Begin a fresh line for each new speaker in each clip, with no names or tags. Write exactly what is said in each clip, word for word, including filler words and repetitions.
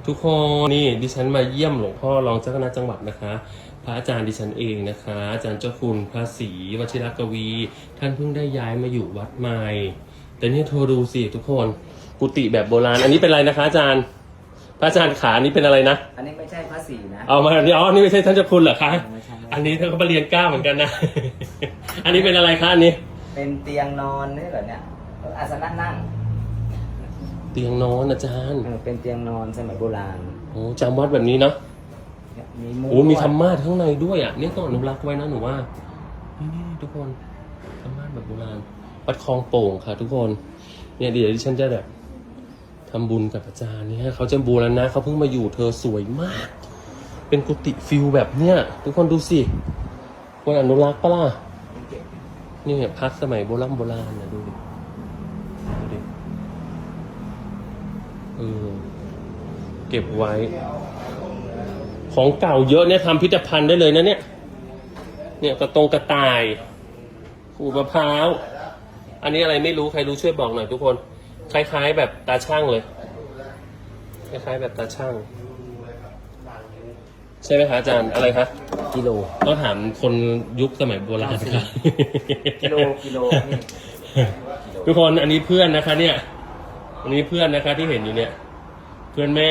ทุกคนนี่ดิฉันมาเยี่ยมหลวงพ่อรองเจ้าคณะจังหวัดนะคะพระอาจารย์ดิฉันเองนะคะอาจารย์เจ้าคุณพระศรีวชิรกวี ท่านเพิ่งได้ย้ายมาอยู่วัดใหม่แต่นี่โทรดูสิทุกคนกุฏิแบบโบราณอันนี้เป็นอะไรนะคะอาจารย์พระอาจารย์ขานี่เป็นอะไรนะ
อันนี้ไม่ใช่พระศรีนะ
เอามาอ๋อนี่ไม่ใช่ท่านเจ้าคุณเหรอคะอันนี้ท่านก็มาเรียนเก้าเหมือนกันนะ อันนี้เป็นอะไรคะอันนี้
เป็นเตียงนอนนี่เหรอเนี่ยอาสนะนั่ง
เตียงนอนอาจารย์
เป็นเตียงนอนสมัยโบราณ
โอ้จำวัดแบบนี้เนาะ
มี
โอ้มีธรรมะข้างในด้วยอ่ะนี่ต้องอนุรักษ์ไว้นะหนูว่านี่ทุกคนธรรมะแบบโบราณวัดคลองโป่งค่ะทุกคนเนี่ยเดี๋ยวดิฉันจะแบบทำบุญกับอาจารย์เนี่ยเขาจะบูรณะเขาเพิ่งมาอยู่เธอสวยมากเป็นกุฏิฟิลแบบเนี้ยทุกคนดูสิควรอนุรักษ์ปะล่ะนี่เนี่ยพักสมัยโบราณโบราณนะดูดิดูดิเออเก็บไว้ของเก่าเยอะเนี่ยทำพิพิธภัณฑ์ได้เลยนะเนี่ยเนี่ยกระตงกระต่ายขูดมะพร้าวอันนี้อะไรไม่รู้ใครรู้ช่วยบอกหน่อยทุกคนคล้ายๆแบบตาช่างเลยคล้ายๆแบบตาช่างใช่ไหมคะอาจารย์อะไรคะ
กิโล
ต้องถามคนยุคสมัยโบราณค่ะ
กิโลกิโล
ทุกคนอันนี้เพื่อนนะคะเนี่ยอันนี้เพื่อนนะคะที่เห็นอยู่เนี่ยเพื่อนแม่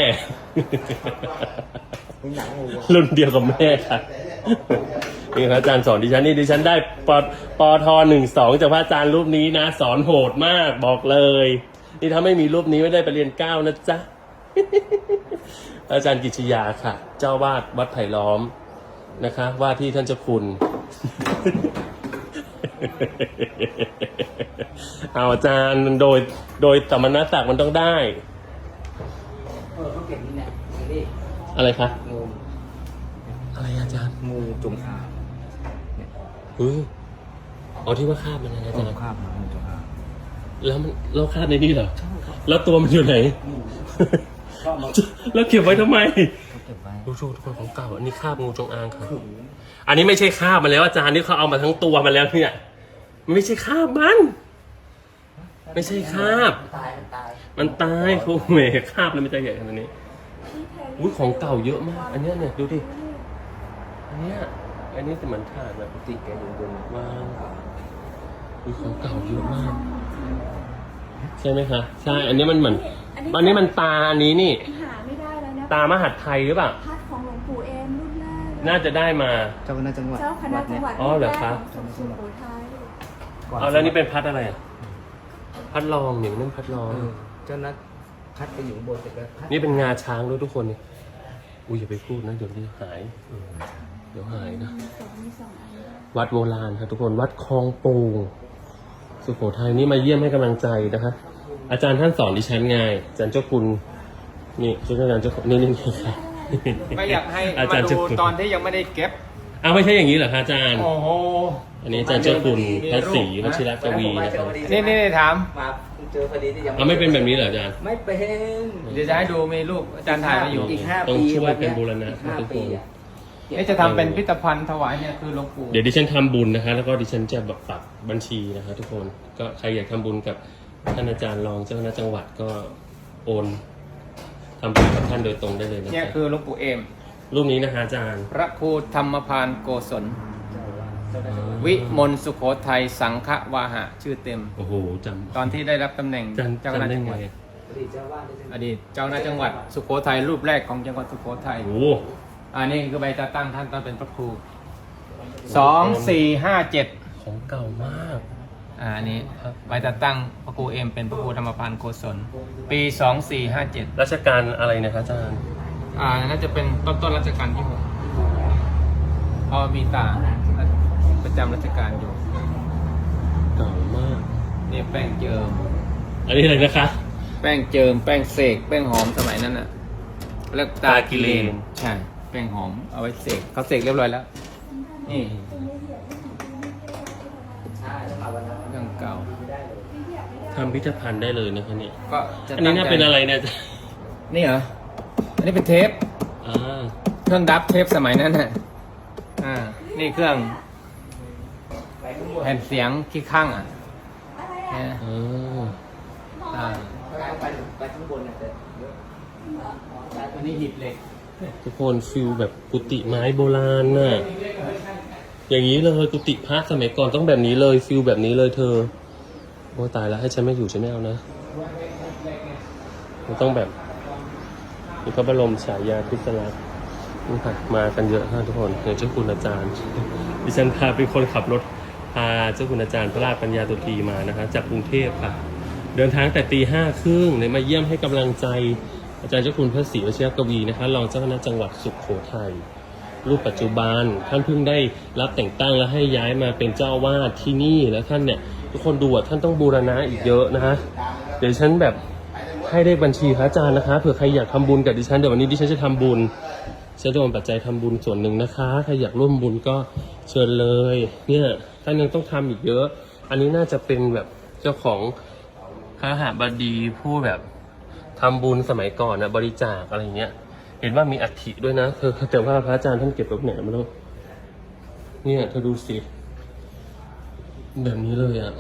รุ่นเดียวกับแม่ค่ะนี่ครับอาจารย์สอนดิฉันนี่ดิฉันได้ปปทหนึ่งสองจากพระอาจารย์รูปนี้นะสอนโหดมากบอกเลยนี่ถ้าไม่มีรูปนี้ไม่ได้ไปเรียนเก้านะจ๊ะอาจารย์กิจยาค่ะเจ้าวาดวัดไผ่ล้อมนะคะว่าที่ท่านเจ้าคุณเอาอาจารย์โดยโดยสมณศักดิ์มันต้องได้
เออเขาเก็บนี่แหละ
อะไรคะ
งู
อะไรอาจารย์
งูจงอาง
เฮ้ยอ๋อที่ว่าคาบมันนะอาจารย์
คาบมันจงอาง
แล้วมันเราคาบในนี่เหรอแล้วตัวมันอยู่ไหนแล้วเก็บไว้ทำไมดูชูทุกคนของเก่าอันนี้คาบงูจงอางครับอันนี้ไม่ใช่คาบมันแล้วอาจารย์นี่เขาเอามาทั้งตัวมาแล้วเนี่ยมันไม่ใช่คาบมันไม่ใช่คาบมันตายโอ้เมฆคาบแล้วไม่ใช่ใหญ่ขนาดนี้อุ้ยของเก่าเยอะมากอันนี้เนี่ยดูดิอันนี้อันนี้จะเหมือนถาดแบบ
ติดแกอยู่บน
วางอุ้ยของเก่าเยอะมากใช่ไหมคะใช่อันนี้มันเหมือนอันนี้มันตาอันนี้นี่
หาไม่ได้แล้วนะ
ตามหาดไทยหรือเปล่า
พัดของหลวงปู่เอมรุ่นแรก
น่าจะได้มา
เจ้าคณะจังหวัด
เจ้าคณะจังหวัด
อ๋อเหรอคะ
สุโขทัย
เอาแล้วนี่เป็นพัดอะไรอ่ะพัดรองอย่างนั้นพัดรอง
เจ้านัดพัดไปอยู่บนเสร็จแล้ว
นี่เป็นงาช้างด้วยทุกคนนี่อุ้ยอย่าไปพูดนะเดี๋ยวนี้หายเดี๋ยวหายนะวัดโบราณครับทุกคนวัดคลองโป่งสุโขทัยนี่มาเยี่ยมให้กำลังใจนะคะอาจารย์ท่านสอนดิฉันไงอาจารย์เจ้าคุณนี่ชุดอาจารย์เจ้าคุณนี่นี่นี่ค่ะ
ไม่อยากให้มาดูตอนที่ยังไม่ได้เก็บ
อ้าวไม่ใช่อย่างนี้เหรอคะอาจารย์
โอ้โห
อันนี้อาจารย์เจ้าคุณพระศรีวชิรกวีนะครับ
นี่นี่ถาม
มาเจอพอดีที่ยัง
อ้าวไม่เป็นแบบนี้เหรออาจารย์
ไม่เป็น
เดี๋ยวจะให้ดูมีรูปอาจารย์ถ่ายมาอยู่
อีกห้าปี
ต้องช่วยเป็นบูรณะทุกคน
นี่จะทำเป็นพิพิธภัณฑ์ถวายเนี่ยคือหลวงปู่
เดี๋ยวดิฉันทำบุญนะคะแล้วก็ดิฉันจะแบบปักบัญชีนะคะทุกคนก็ใครอยากทำบุญกับท่านอาจารย์รองเจ้าคณะจังหวัดก็โอนทำบุญกับท่านโดยตรงได้เลยนะ
เนี่ยคือหลวงปู่เอม
รูปนี้นะคะอาจารย์
พระครูธรรมพานโกศลวิมลสุโขทัยสังฆวาหะชื่อเต็ม
โอ้โหจำ
ตอนที่ได้รับตำแหน่งเจ้าคณะจังหวัดอดีตเจ้าคณะจังหวัดสุโขทัยรูปแรกของจังหวัดสุโขทัย
โอ้
อันนี้คือใบจัดตั้งท่านตอนเป็นพระครูสองสี่ห้าเจ็ด
ของเก่ามาก
อ่าอันนี้ใบจัดตั้งพระครูเอ็มเป็นพระครูธรรมพานโกศลปีสองสี่ห้าเจ็ด
รัชกาลอะไรนะครับอาจารย์
อ่าน่าจะเป็นต้นต้นรัชกาลที่หกพอมีตาประจำรัชกาลอยู่
เก่ามาก
นี่แป้งเจิม
อันนี้อะไรนะคะ
แป้งเจิมแป้งเสกแป้งหอมสมัยนั้นน่ะแล้วตากิเลนใช่แป้งหอมเอาไว้เสกเขาเสกเรียบร้อยแล้วนี่เรื่องเก่า
ทำพิพิธภัณฑ์ได้เลยนะคะเนี่ย
ก็
อันนี้น่าเป็นอะไรเนี่ย
นี่เหรออันนี้เป็นเทปเครื่องดับเทปสมัยนั้นน่ะอ่านี่เครื่องแผ่นเสียงขี้ข้างอ่ะ
เออ
ไปไปข้างบนเนี่ย
อันนี้หิบเหล็ก
ทุกคนฟิลแบบกุฏิไม้โบราณน่ะ อย่างนี้เลยกุฏิพระสมัยก่อนต้องแบบนี้เลยฟิลแบบนี้เลยเธอโอ้ตายแล้วให้ฉันไม่อยู่ฉันไม่เอานะมันต้องแบบมีพระบรมฉายาธิสลักษณ์นี่ค่ะมากันเยอะมากทุกคนอย่างเจ้าคุณอาจารย์ดิฉันพาเป็นคนขับรถพาเจ้าคุณอาจารย์พระราชปัญญาตุตรีมานะคะจากกรุงเทพค่ะ เดินทางแต่ตีห้าครึ่งเลยมาเยี่ยมให้กำลังใจอาจารย์เจ้าคุณพระศรีวชิรกวีนะคะรองเจ้าคณะจังหวัดสุโขทัยรูปปัจจุบันท่านเพิ่งได้รับแต่งตั้งและให้ย้ายมาเป็นเจ้าอาวาสที่นี่แล้วท่านเนี่ยทุกคนดูอ่ะท่านต้องบูรณะอีกเยอะนะฮะเดี๋ยวฉันแบบให้ได้บัญชีพระอาจารย์นะคะเผื่อใครอยากทำบุญกับดิฉันเดี๋ยววันนี้ดิฉันจะทำบุญฉันจะโอนปัจจัยทำบุญส่วนหนึ่งนะคะใครอยากร่วมบุญก็เชิญเลยเนี่ยท่านยังต้องทำอีกเยอะอันนี้น่าจะเป็นแบบเจ้าของพระหบดีผู้แบบทำบุญสมัยก่อนนะบริจาคอะไรเงี้ยเห็นว่ามีอัฐิด้วยนะเธอแต่ว่าพระอาจารย์ท่านเก็บไว้ไหนไม่รู้เนี่ยเธอดูสิแบบนี้เลยอะ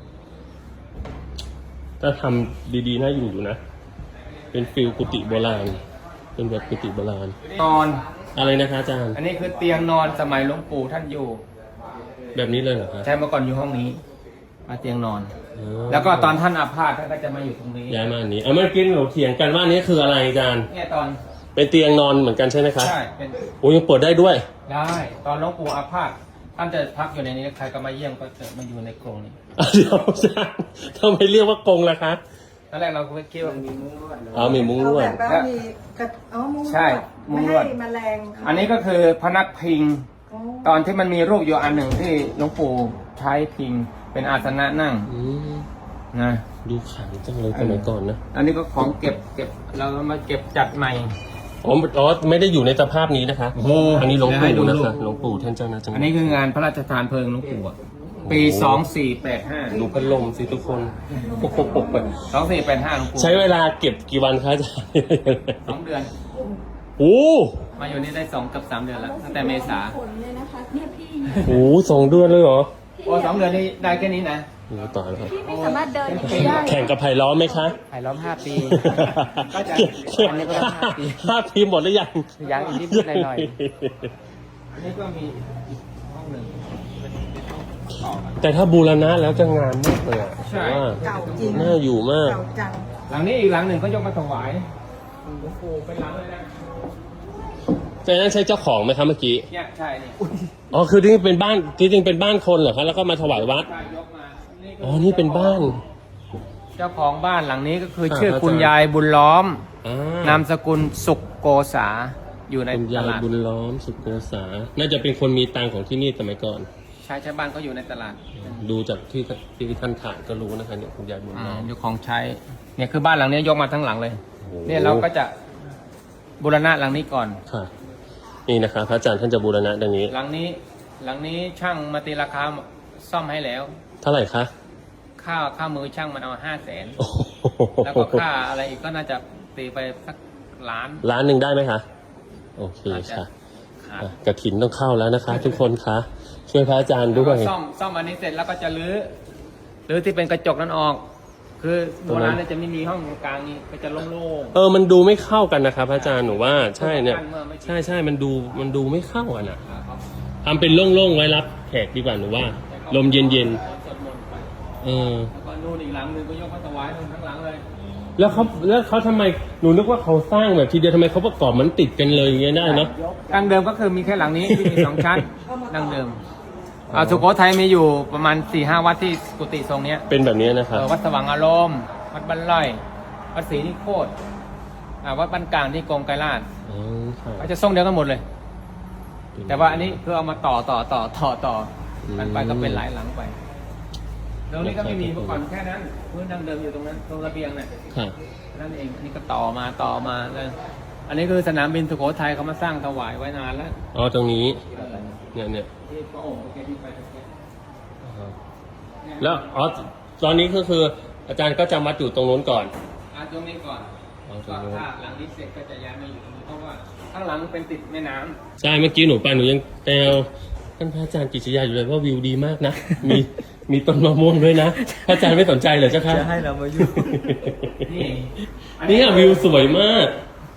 ถ้าทำดีๆน่าอยู่อยู่นะเป็นฟิลกุฏิโบราณเป็นแบบกุฏิโบราณ
นอน
อะไรนะคะอาจารย์
อันนี้คือเตียงนอนสมัยหลวงปู่ท่านอยู่
แบบนี้เลยเหรอคะ
ใช่เมื่อก่อนอยู่ห้องนี้มาเตียงนอน
อ๋อ
แล้วก็ตอนท่านอาพาธท่านก็จะมาอยู่ตรงนี้
ย้ายมาอันนี้เอาเมื่อกี้เราเถียงกันว่าอันนี้คืออะไรอาจารย์
เนี่ยตอน
เป็นเตียงนอนเหมือนกันใช่ไหมคะ
ใช่เป็น
โอ้ยังเปิดได้ด้วย
ได้ตอนหลวงปู่อาพาธท่านจะพักอยู่ในนี้ใครก็มาเยี่ยมก็จะมาอยู่ในกรงนี้
อ่ะเดี๋ยวอาจารย์ทำไมเรียกว่ากรงล่ะคะ
ตอนแรกเราก็คิดว่า
มีมุ้งลวดเลย
อ๋อมีมุ้งลวด
เอาแบบว่ามีกระเอามุ้งลวด
ใช่มุ้งลวด
ไม่ให้แมลงเข้า
อันนี้ก็คือพนักพิง
โอ้
ตอนที่มันมีรูปอยู่อันหนึ่งที่หลวงปู่ใช้พิงเป็นอาสนะนั่ง
อืม
นะ
ดูขลังจังเลยสมัยก่อนนะ
อันนี้ก็ของเก็บเก็บเรามาเก็บจัดใหม่
อ๋ออ๋อไม่ได้อยู่ในสภาพนี้นะคะ
โอ้โห
อันนี้หลวง
เดี๋ยวให้
ปู่
ดู
นะคะ
รูป
หลวงปู่ท่านเจ้านะจังหวั
อั
ด
นนี้คืองานพระราชทานเพลิงหลวงปู่อะปีสองสี่แปดห้า
ดูพัดลมสิทุกคนโอ้โห
สองสี่แปดห้าหลวงปู่
ใช้เวลาเก็บกี่วันคะอาจารย์
สองเดือน
โอ้
มาอยู่นี่ได้สองกับสามเดือนแล้วตั้งแต่เมษา
ผลเลยนะคะเนี่ยพี่
โหสองเดือนเลยเหรอ
โอ้สองเดือนนี่ได้แค่นี้นะ
โอ้ตายแล้วครับ
พี่ไม่สามารถเดินอย่างนี้ได้
แข่งกับไผ่ล้อมไหมคะ
ถ่ายล้อมห้าปี ก็จะ
แข่ง
อันนี้ก็ต้องห้าปี
ห้าปีหมดหรือยัง
ยังอีกนิดหน่อย อันนี้ก็มีอีกห้องหนึ่งเป็นต่อกัน
แต่ถ้าบูรณะแล้วจะงามมากเลยอ่ะ
ใช่
ว่า
เก่าจริง
น่าอยู่มาก
เก่าจัง
หลังนี้อีกหลังหนึ่งก็ยกมาถวายหลวงปู่เป็นหลังเลยนะ
แต่นั้นใช่เจ้าของไหมครับเมื่อกี้
เนี่ยใช่นี่
อ๋อคือที่เป็นบ้านที่จริงเป็นบ้านคนเหรอครับแล้วก็มาถวายวัด
ใช่ยกมานี่คื
อ๋อนี่เป็นบ้าน
เจ้าของบ้านหลังนี้ก็คือ
ครับ
ชื่อ
อาจารย์
คุณยายบุญล้อม
อ่าน
ามสกุลสุขโกษาอยู่ใน
คุณ
ต
ยาย
ลาด
บุญล้อมสุโกษา น่าจะเป็นคนมีตังของที่นี่สมัยก่อน
ชายชาวบ้านก็อยู่ในตลาด
ดูจากที่ที่ท่านถ่ายก็รู้นะคะเนี่ยคุณยายบุญ
อ่า
ล้อม
อยู่ของใช้เนี่ยคือบ้านหลังนี้ยกมาทั้งหลังเลย
โอ้โห
เนี่ยเราก็จะบูรณะหลังนี้ก่อน
ค่ะ นี่นะคะพระอาจารย์ท่านจะบูรณะดังนี้
หลังนี้หลังนี้ช่างมาตีราคาซ่อมให้แล้ว
เท่าไหร่คะ
ค่าค่ามือช่างมันเอาห้าแสน
โอ้โห
แล้วก็ค่าอะไรอีกก็น่าจะตีไปสักล้าน
ล้านหนึ่งได้ไหมคะ โอเคค่ะ
ขาด
อ่ะกระถินต้องเข้าแล้วนะคะ ทุกคนคะช่วยพระอาจารย์
แล้ว
ด้ว
ก็
ย
ซ่อมซ่อมอันนี้เสร็จแล้วก็จะรื้อรื้อที่เป็นกระจกนั้นออก คือโบราณเนี่ยจะไม่มีห้องกลางนี้ก็จะโล่ง
เออมันดูไม่เข้ากันนะครับพระอาจารย์หนูว่าใช่เนี่ย
เมื่อไม่
ใช่ใช่มันดูมันดูไม่เข้ากันอ่ะ
ๆครับ
ทำเป็นโล่งๆไว้รับแขกดีกว่าหนูว่า ลมเย็น
สวดมนต์ไป
ๆเออ
แล้วก็นู่นอีกหลังหนึ่งก็ยกมาถวายตรงทั้งหลังเลย
แล้วเขาแล้วเขาทำไมหนูนึกว่าเขาสร้างแบบทีเดียวทำไมเขาประกอบมันติดกันเลยอย่างเงี้ยได้เนาะ
ดังเดิมก็คือมีแค่หลังนี้ที่มีสองชั้นดังเดิมอ่าสุโขทัยมีอยู่ประมาณสี่ห้าวัดที่กุฏิทรงเนี้ย
เป็นแบบนี้นะครับ
เออวัดสว่างอารมณ์วัดบ้านไร่วัดศรีนิโคตรอ่าวัดบ้านกลางที่กรมไกรลาช
อ๋อค่ะ
ก็จะทรงเดียวกันหมดเลย แต่ว่าอันนี้คือเอามาต่อต่อต่อต่อต่อกันไปก็เป็นหลายหลังไปตรงนี้ก็ไม่มีเมื่อก่อนแค่นั้นพื้นดังเดิมอยู่ตรงนั้นตรงระเบียงเนี่ย
ค่ะ
นั่นเองอันนี้ก็ต่อมาต่อมาเลยอันนี้คือสนามบินสุโขทัยเขามาสร้างถวายไว้นานแล้ว
อ๋อตรงนี้
เออ
เนี่ยเนี่ย
ที่พระองค์แกที่ไปตะเกียบ
อ๋อแล้วอ๋อตอนนี้ก็คืออาจารย์ก็จำวัดอยู่ตรงนู้นก่อน
อ่ะตรงนี้ก่อน
อ๋อตร
ก็
งนู้น
ถ้าหลังนี้เสร็จก็จะย้ายมาอยู่ตรงนี้เพราะว่าข้างหลังเป็นติดแม่น้ำ
ใช่เมื่อกี้หนูไปหนูยังแซวท่านพระอาจารย์กิจยาอยู่เลยว่าวิวดีมากนะ มีมีต้นมะม่วงด้วยนะพระอาจารย์ไม่สนใจเหรอเจ้าคะ
จะให้เรามาอยู่
นี่
นี่อะวิวสวยมาก
อ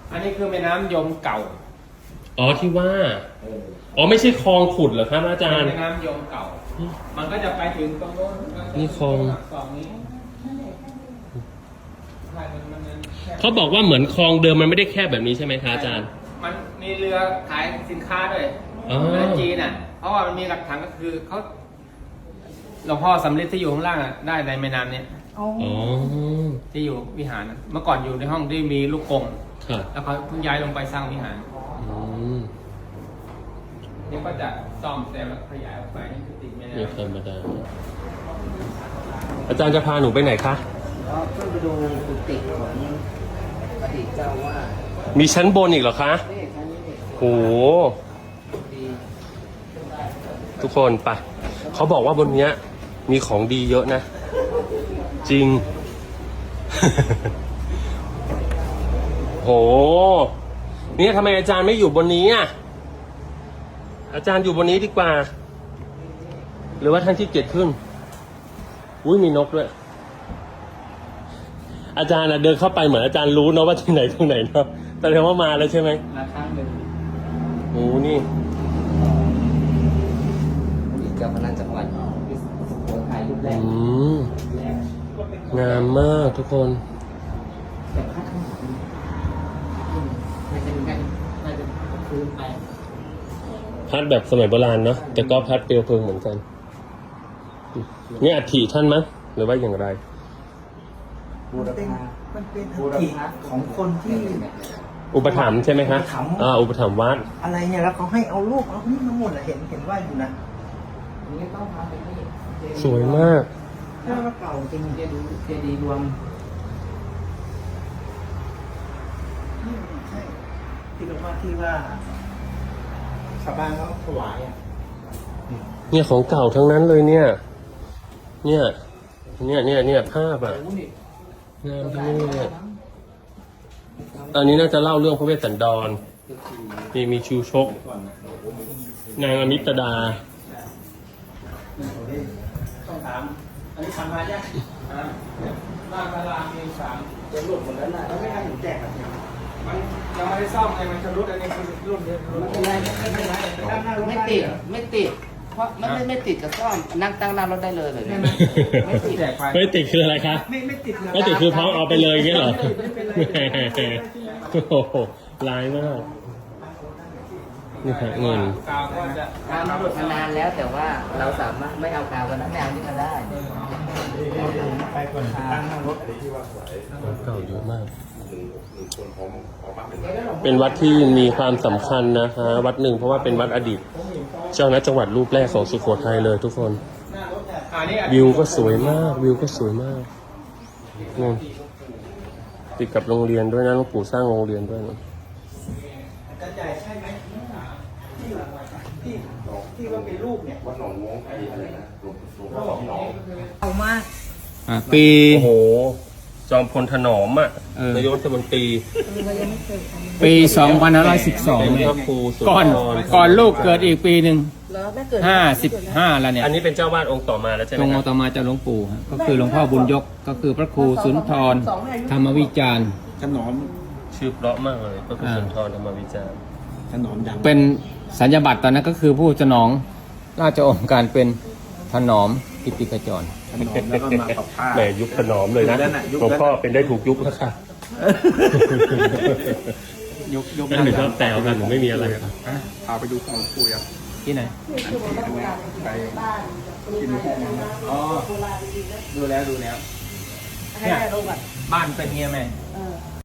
อันนี้คือแม่น้ำยมเก่า
อ๋อที่ว่า อ๋อไม่ใช่คลองขุดเหรอครับอาจารย์
แม่น้ำยมเก่า มันก็จะไปถึงตรงโน้น
นี่คลอง
สองนี้ใช่มันมันมันแค่
เขาบอกว่าเหมือนคลองเดิมมันไม่ได้แคบแบบนี้ใช่ไหมคะอาจารย์
มันมีเรือขายสินค้าด้วย
อ๋อ
เรือจีนอ่ะ เพราะว่ามันมีหลักฐานก็คือเขาหลวงพ่อสำริดที่อยู่ข้างล่างอ่ะได้ในแม่น้ำเนี้ย
อ๋อ
อ๋อ
ที่อยู่วิหารนะเมื่อก่อนอยู่ในห้องที่มีลูกกง
ค่ะ
แล้วเขาเพิ่งย้ายลงไปสร้างวิหาร
อืม
นี่ก็จะซ่อมแซมแล้วขยายออกไปนี่คือติดแม่
นี่
น้ำ
ธรรมดา อาจารย์จะพาหนูไปไหนคะ
ก็เพื่อไปดูกุฏิของอดีตเจ้าว่า
มีชั้นบนอีกเหรอคะ
นี่ชั้นนี้นี่
โห
ดี
ทุกคนไปเขาบอกว่าบนเนี้ย มีของดีเยอะนะ จริง โห เนี่ยทำไมอาจารย์ไม่อยู่บนนี้อ่ะ อาจารย์อยู่บนนี้ดีกว่า หรือว่าท่านขี้เกียจขึ้น อุ้ยมีนกด้วย อาจารย์อะเดินเข้าไปเหมือนอาจารย์รู้เนาะว่าที่ไหนตรงไหนเนาะแสดงว่ามาแล้วใช่ไหม
มาครั้งหนึ่ง
โอ้นี่
อดีตเจ้าคณะจังหวัดสุโขทัยรูปแร
อื
ก
ม งามมากทุกคน
แต่พระข้างหลังไม่ใช่ไม่น่าจะคืนไป
พัดแบบสมัยโบราณเนาะแต่ก็พัดเปลวเพลิงเหมือนกัน นี่อัฐิท่านมั้งหรือว่าอย่างไร
บูร
เป็น
พา
มันเป็นอัฐิของคนที่
อุปถัมภ์ใช่ไหมคะ
อุปถัมภ์
อ่า อุปถัมภ์วัด
อะไรเนี่ยแล้วเขาให้เอารูปเอานี่มาหมดอะเห็นเห็นว่าอยู่นะ
อันนี้ต้องพาไปที่
สวยมาก
ถ้าว่าเก่าจริง
เจดีย์เจดีย์รวม
ใช่ที่เราว่าที่ว่าชาวบ้านเขาถวายอ่ะ
เนี่ยของเก่าทั้งนั้นเลยเนี่ย เนี่ย เนี่ยเนี่ยเนี่ยภาพอ่ะงามทั้งนี้เลยอันนี้น่าจะเล่าเรื่องพระเวสสันดร มีมีชูชก นางอมิตดา
ต้องถาม อันนี้ทำมาเนี่ยอ่าบ้านพระรามมีสาม
จะหลุดหมดแล้วนะ
แล้วไม่ให้หนูแจกแบบนี้
มันยังไม่ได้ซ่อมไงมันจะรุดอันนี้คือรุ่นเดียวรุ่น
ไม่เป็นไรไม่เป็นไรไม่ติดไม่ติด เพราะไม่ไม่ไม่ติดกับซ่อมนั่งตั้งหน้ารถได้เลยเลยเนี่ยไม่ติด
แจกไป
ไม่ติดคืออะไรคะ
ไม่ไม่ติดเลย
ไม่ติดคือพร้อมเอาไปเลยอย่างเงี้ยเหรอโอ้โหร้ายมาก นี่ค่ะเงิน
กาวก็จะ
กาวมันหลุดมานานแล้วแต่ว่าเราสามารถไม่เอากาวกันนะไม่เอานี่ก็ได้
ไปก่อนตั้งหน้ารถ
เก่าเยอะมาก เป็นวัดที่มีความสำคัญนะคะวัดหนึ่งเพราะว่าเป็นวัดอดีต เจ้าคณะจังหวัดรูปแรกของสุโขทัยเลยทุกคน
อันนี้
วิวก็สวยมาก วิวก็สวยมากนี่ติดกับโรงเรียนด้วยนะหลวงปู่สร้างโรงเรียนด้วยนะ
กระจายใช่ไหมที่ที่ที่ว่าเป็นรูปเนี่ยเอามาก
ปี
โอ้โห จอมพลถนอมอ่ะ
เออ
นายกรัฐมนตรี
ปีสองพันห้าร้อยสิบสอง
เป็น
เนี่ย
พระครูสุนทร
ก่อนก่อนลูกเกิดอีกปีหนึ่ง
แล้วแม่เกิด
ห้าสิบห้าแล้วเนี่ย
อันนี้เป็นเจ้าวาดองค์ต่อมาแล้วใช่ไห
ต
ม
รง
ค
อ
รับ
ตมาจากหลวงปู่ฮะก็คือหลวงพ่อบุญยกก็คือพระครูสุนทรธรรมวิจารณ์
ถนอม
ชื่อเพราะมากเลยพระครูสุนทรธรรมวิจารณ์
ถนอมดัง
เป็นสัญญาบัตรตอนนั้นก็คือผู้สนองราชองค์การเป็นถนอมกิติขจร
ถนอมแล้วก็มากับผ้า
แหมยุคถนอมเลยนะ
ยุคนั้นน่ะยุค
หลวง
นั้น
พ่อเป็นได้ถูกยุคแล้วค่ะ
ยกยก
นั่นหนูชอบแซวกันหนูไม่มีอะไรอะ
ฮะพาไปดูของปู่อ่ะ
ที่ไหน
อันที่อันเนี้ยไปกินพวกมันนะ
อ๋อดูแล้วดูแล้ว
ให้แม่ลงก่อน
บ้านเป็นเงี้ยไหม